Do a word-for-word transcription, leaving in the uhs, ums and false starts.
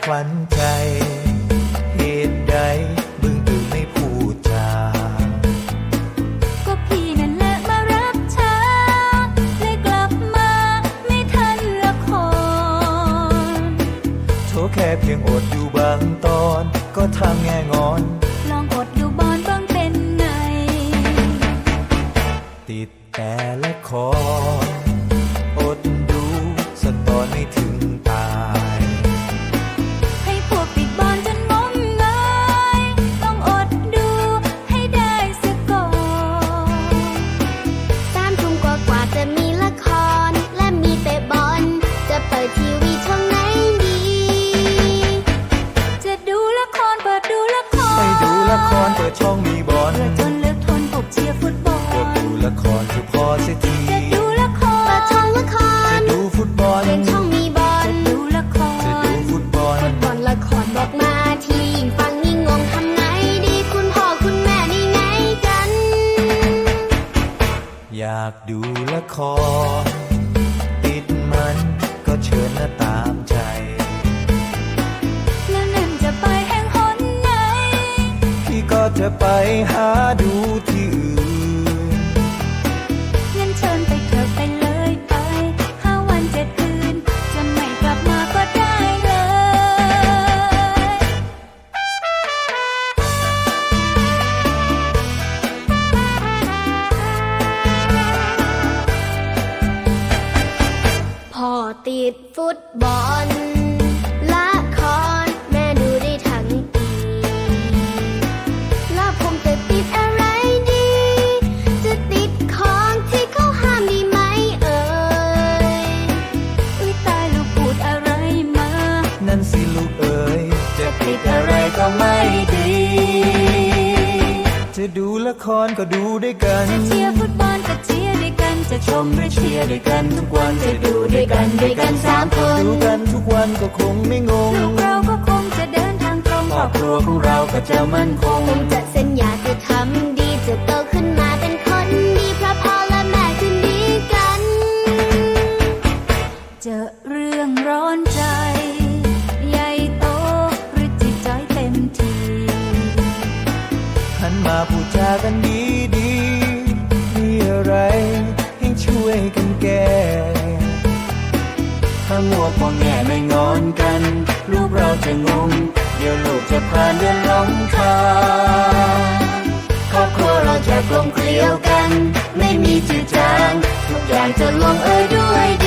ขวัญใจเหตุใดมึงถึงไม่พูดจาก็พี่นั่นแหละมารับช้าเลยกลับมาไม่ทันละครโชว์แค่เพียงอดอยู่บางตอนก็ทำแง่งอนลองอดดูบอลบ้างเป็นไงติดแต่ละครอดดูสักตอนไม่ถึงตายให้พวกติดบอลจนงมงายต้องอดดูให้ได้สักก่อนสามทุ่มกว่ากว่าจะมีละครและมีเตะบอลจะเปิดทีวีช่องไหนดีจะดูละครเปิดดูละครไปดูละครเปิดช่องมีบอลจนเลิกทนพบเชียร์ฟุตบอลกดดูละครคือพอเสียทีจะดูละครเปิดช่องละครจะดูฟุตบอลเปลี่ยนช่องมีบอลจะดูละครจะดูฟุตบอลฟุตบอลละครบอกมาทียิ่งฟังยิ่งงงทำไงดีคุณพ่อคุณแม่นี่ไงกันอยากดูละครติดมันก็เชิญนะตามใจแล้วนั่นจะไปแห่งหนไหนพี่ก็จะไปหาดูที่อื่นงั้นเชิญไปเถอะไปเลยไปห้าวันเจ็ดคืนจะไม่กลับมาก็ได้เลยพ่อติดฟุตบอลละครแม่ดูได้ทั้งปีแล้วผมจะติดอะไรดีจะติดของที่เขาห้ามดีไหมเอ่ยอุ๊ยตายลูกพูดอะไรมานั่นสิลูกเอ๋ยจะติดอะไรก็ไม่ดีจะดูละครก็ดูด้วยกันจะเชียร์ฟุตบอลก็เชียร์ด้วยกันจะชมหรือเชียร์ด้วยกันทุกวันจะดูด้วยกันด้วยกันสามคนดูกันทุกวันก็คงไม่งงลูกเราก็คงจะเดินทางตรงครอบครัวของเราก็จะมั่นคงผมจะสัญญาจะทำดีจะโตขึ้นมาเป็นคนดีเพราะพ่อและแม่คืนดีกันเจอเรื่องร้อนใจใหญ่โตหรือจิตใจเต็มทีหันมาพูดจากันดีดีมีอะไรให้ช่วยกันแก้ถ้ามัวพอแง่ไม่งอนกันลูกเราจะงงเดี๋ยวลูกจะผ่านเดือนหลงทางครอบครัวเราจะกลมเกลียวกันไม่มีจืดจางทุกอย่างจะลงเอยด้วย